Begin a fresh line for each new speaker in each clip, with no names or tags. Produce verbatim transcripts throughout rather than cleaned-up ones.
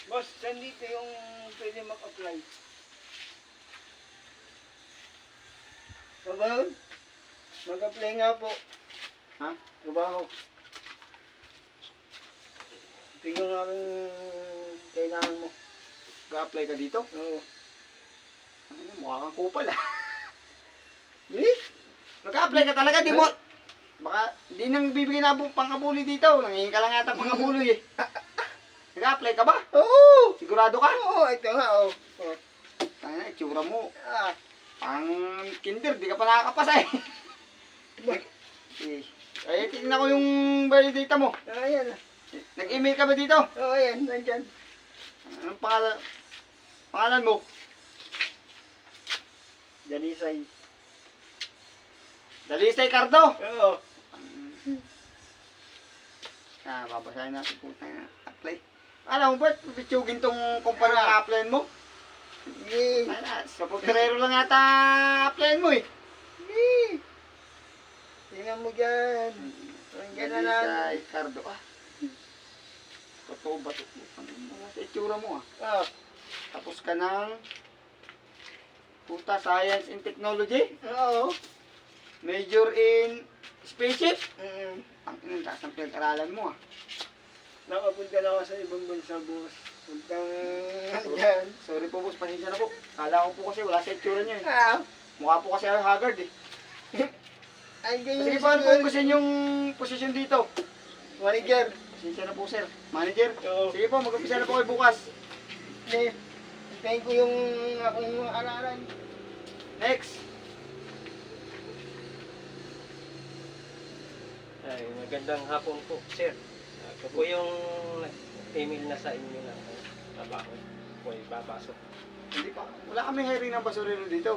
Boss, nandito yung pwede mag-apply. Trabaho? Mag-apply nga po.
Ha?
Trabaho. Tingnan nga kung kailangan mo.
Ga-apply ka dito?
Oo.
Ano, mukha kang kupal ah.
Eh?
Nag-apply ka talaga, di mo. Baka di nang bibigyan na bu- pangkabuli dito. Nangihingi ka lang yata pangkabuli eh. Nag-apply ka ba?
Oo!
Sigurado ka?
Oo, ito nga oh. Oh.
Tanga, itsura mo.
Ah,
Pang kinder, di ka pa nakakapasa eh. eh. Ay, tingnan ko yung validata mo.
ayan.
Nag-email ka ba dito?
Oo, ayan, nandyan.
Anong pangalan? Pangalan mo?
Danisay.
Dalisay Cardo.
Oo.
Ah, babasahin natin po tayo. Apply. Alam mo ba, pipitsugin tong kumpanya na applyan mo?
Sige.
Ay, na, sa pagkarero lang yata applyan mo eh.
Sige. Tingnan mo dyan. Nandiyan na lang.
Dalisay Cardo. Ah. Totoo ba ito? Ano mga sa itsura mo ah?
Ah,
Tapos ka ng puta, Science and Technology.
oo.
Major in Spaceship.
Mm.
Ang inang taas ng pinag-aralan mo ah.
Nakapunta na ako sa ibang bansa, boss. Puntang dyan.
Sorry po boss, pasensya na po. Kala ko po kasi wala sa itsura niya eh.
Ah,
Mukha po kasi ako haggard eh.
ay ganyan.
Sige po, ano po ang gusto niyong posisyon dito?
Manager.
Pasensya na po sir. Manager?
Oo.
Sige po, mag-umpisa na po kayo bukas.
Hindi. Hintayin ko yung akong araran.
Next.
Ay, magandang hapon po, sir. Ako po yung email na sa inyo na trabaho. Po ay babasok.
Hindi pa. Wala kami hiring ng basurero dito.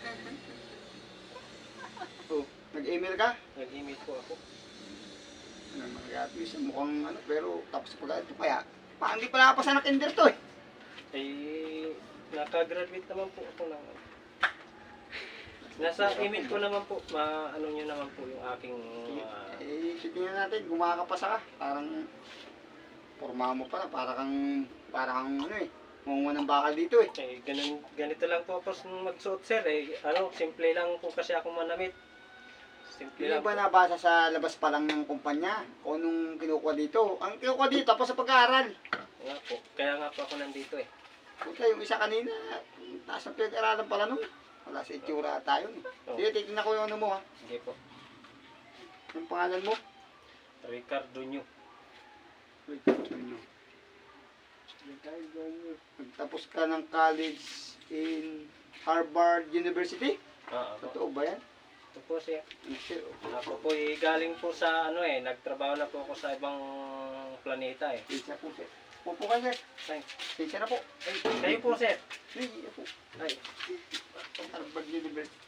Oh, nag-email ka?
Nag-email po ako.
Ano, mag-abuse mukhang ano, pero tapos pag ito kaya, pa, hindi pala pa sa kinder to eh.
Ay, nakagraduate naman po ako ng... Nasa email ko naman po, ma-ano nyo naman po yung aking... Uh,
Eh, tingnan natin, gumakapasa ka. Parang, forma mo pala, para kang, para kang ano eh, munguha ng bakal dito eh.
eh, ganun, ganito lang po ako magsuot, sir. Eh, ano, simple lang po kasi ako manamit. Simple
Hindi
lang
ba
po.
nabasa sa labas pa lang ng kumpanya? O nung kinukuha dito? Ang kinukuha dito, tapos sa pag-aaral.
Nga po, kaya nga po ako nandito eh.
Puta, yung isa kanina, taas ng pinag-aralan pala nung. Wala sa itsura tayo eh. Sige, titignan ko yung ano mo ha.
Sige po.
Yung pangalan mo?
Ricardo Nyo.
Wait, ano? Nagtapos ka ng college in Harvard University?
Oo po.
Totoo ba yan?
Ito po siya.
Ano siya?
Ako po eh, galing po sa ano eh, nagtrabaho na po ako sa ibang planeta eh.
Isa po sir. Pupo ka sir.
Ay,
Isa na po. Ay,
kayo po sir.
Ay, po.
Ay,
Harvard University.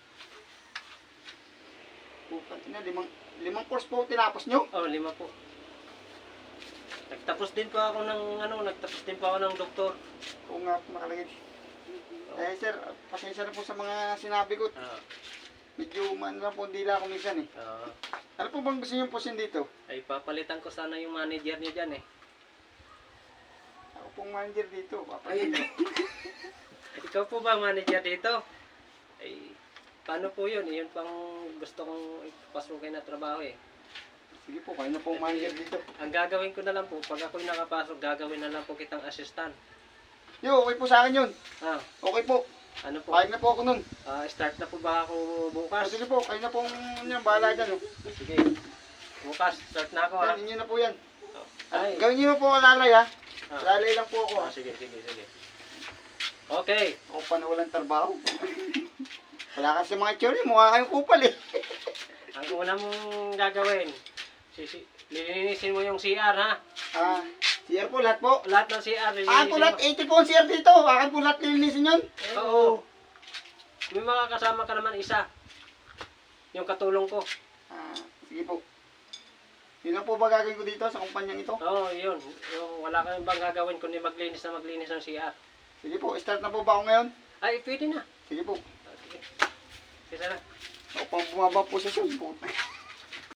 Puta, ina, limang, limang course po tinapos nyo?
oh lima po. Nagtapos din po ako ng ano, nagtapos din po ako ng doktor.
Oo nga po nakalagay. Eh sir, pasensya na po sa mga sinabi ko.
Ah,
Medyo man lang po, hindi lang ako minsan eh.
ah,
Ano po bang gusto nyo posin dito?
ay papalitan ko sana yung manager niyo diyan eh.
Ako pong manager dito. Papalitan.
Ikaw po ba ang manager dito? Ay, paano po yun? Yun pang gusto kong ipasukin na trabaho eh.
Sige po, kayo na pong manager dito.
Ang gagawin ko na lang po, pag ako'y nakapasok, gagawin na lang po kitang assistant.
Yo, okay po sa akin yun.
Ah,
Okay po.
ano po?
Pahig na po ako nun.
Ah, start na po ba ako
Ah,
bukas?
sige po, kayo na pong yan, bahala dyan. Oh.
Sige. Bukas, start na ako ha.
Yan, inyo na po yan.
Ay.
Gawin nyo po lalay ha.
Ah.
Lalay lang po ako ha.
Ah, sige, sige, sige. Okay.
Ako pa na walang trabaho. Wala kasi mga tsuri, mukha kayong kupal eh.
Ang una mong gagawin, sisi, lilinisin mo yung C R ha.
Ah, C R po lahat po.
Lahat ng C R,
Akin
lilinisin
po
mo.
lahat, eighty po ang C R dito. Akin po lahat lilinisin yun.
Oo. May mga kasama ka naman isa. Yung katulong ko.
Ah, sige po. Yun lang po ba gagawin ko dito sa kumpanyang ito?
Oo, yun. Yung wala kang bang gagawin kundi maglinis na maglinis ng C R.
Sige po, start na po ba ako ngayon?
Ay, pwede na.
Sige po.
Ah, sige. Sige na.
Ako pang bumaba po sa po.